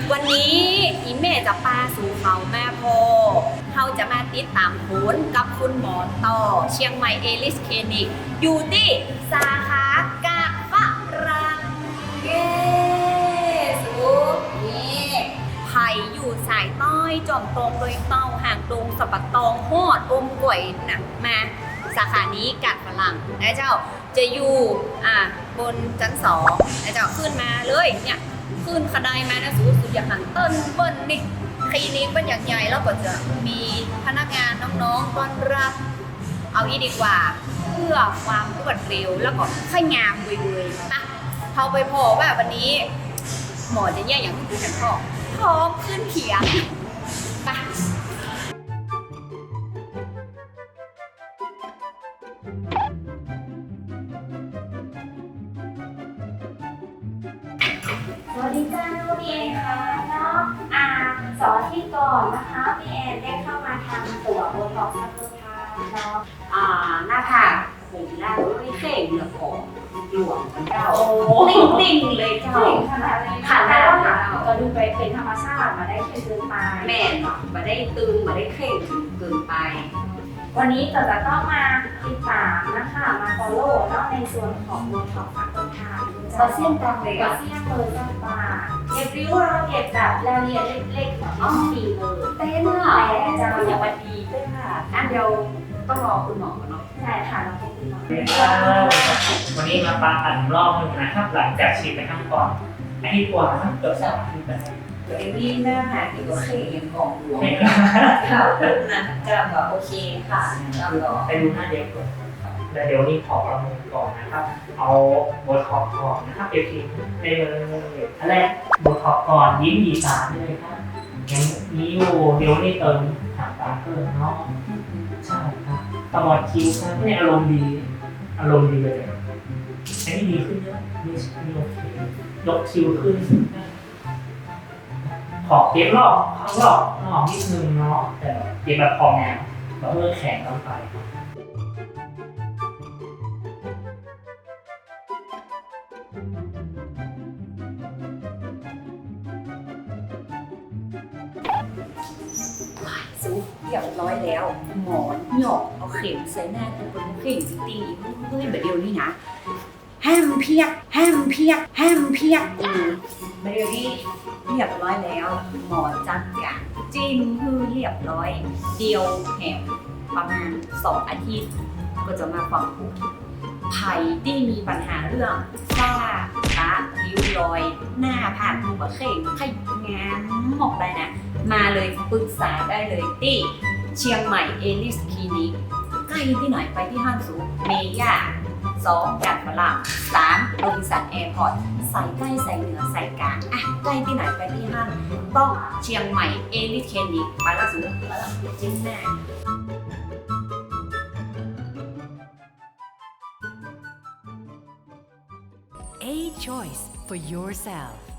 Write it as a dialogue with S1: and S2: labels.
S1: วันนี้อีเมจะปาสู่เขาแม่โพเขาจะมาติดตามผลกับคุณหมอต่อเชียงใหม่เอลิสคลินิกอยู่ที่สาขากาดฝรั่งเย้สูนี่ไผ่อยู่สายต้อยจอมตรงโดยเต้าห่างตรงสะบัดตองหอดอมก๋วยนะมาสาขานี้กาดฝรั่งนะเจ้าจะอยู่บนชั้น2นะเจ้าขึ้นมาเลยเนี่ยขึ้นขดายมานะสูสุดอย่างหันเติ้ลเบิ้ลนี่คลินิกเป็นอย่างใหญ่แล้วก็จะมีพนักงานน้องๆต้อนรับเอาอีดีกว่าเพื่อความรวดเร็วแล้วก็ค่อยงามเว้ยๆนะเขาไปพอว่าวันนี้หมอจะแย่อย่างที่คุณเห็นพร้อมขึ้นเขียงไป
S2: สวัสดีจ้าพี่แอนค่ะเนาะสอนที่ก่อนนะคะพี่แอนได้เข้ามาทำตัวโบท็อกซ์ซัพพอร์ตเนาะ
S1: หน้าผากผมหน้าไม่เข่งเหลือของหลวมเจ้าติ่งเลยเจ้า
S2: ขนาดเลยค่ะแล้วค่ะก็ดูไปเป็นธรรมชาติมาได้แค่เกินไป
S1: แม่นมาได้ตึงมาได้เข่งเกินไป
S2: วันนี้จะต้องมาติดตามนะคะมา follow เนาะในส่วนของโบท็อกซ์ซัพพอร์ต
S1: ก็เสี่ยงตังเลย
S2: ก็เสี่ยงเลยจ้าป่าเก็บริ้วเราเก็บแบบรายละเอียดเล็กๆของดีเลย
S1: เต้นอ่ะจะอย่างวันดีด้วยค่ะอันเดียวต้องรอคุณหมอเนาะ
S2: ใช่ค่ะเราพบคุณหมอ
S3: วันนี้มาปาตันรอบหนึ่งนะครับหลังจากฉีดไปข้างก่อนไอ้ที่กว่าเกือบ3 อาทิตย์แล้ว
S1: ตัวเองนี่หน้าผากที่ก็เข่งของหลวงค่ะนะจะแบบโอเคค่ะ
S3: ไปดูหน้าเด็กก่อนแล้วเดี๋ยวนี้ขอประเมินก่อนนะครับเอาโบท็อกซ์ก่อนนะครับเดี๋ยวทีได้เลยอันแรกโบท็อกซ์ก่อนยิ้มหยีตาเลยครับยังนี้อยู่เดี๋ยวนี้เติมหางตาเพิ่มเนาะใช่ครับตลอดคิ้วครับเนี่ยอารมณ์ดีเลยอันนี้ดีขึ้นเยอะนี่โอเคยกคิ้วขึ้นขอเก็บรอบข้างรอบนิดนึงเนาะแต่เก็บแบบพอแนวแบบเพื่อแข็งลงไป
S1: สู้เรียบร้อยแล้วหมอนหยอกเอาเข็มใส่หน้าตัวเป็นเข่งตีเฮ้ยแบบเดียวนี่นะห้ามเพียกแบบเดียวนี่เรียบร้อยแล้วหมอจัดการจิ้มคือเรียบร้อยเดียวแหมประมาณ2 อาทิตย์ก็จะมาฟังผลไผ่ที่มีปัญหาเรื่องฝ้าตาริ้วรอยหน้าผากหัวเข่งไข่งามหมอกได้นะมาเลยปรึกษาได้เลยที่เชียงใหม่เอลิสคลินิกใกล้ที่ไหนไปที่ห้างสูงเมย่า2 กาดฝรั่ง3 โรบินสันแอร์พอร์ตใส่ใกล้ใส่เหนือใส่กลางใกล้ที่ไหนไปที่ห้างต้องเชียงใหม่เอลิสคลินิกไปแล้วสูงไปแล้วจิ้มแน่
S4: A choice for yourself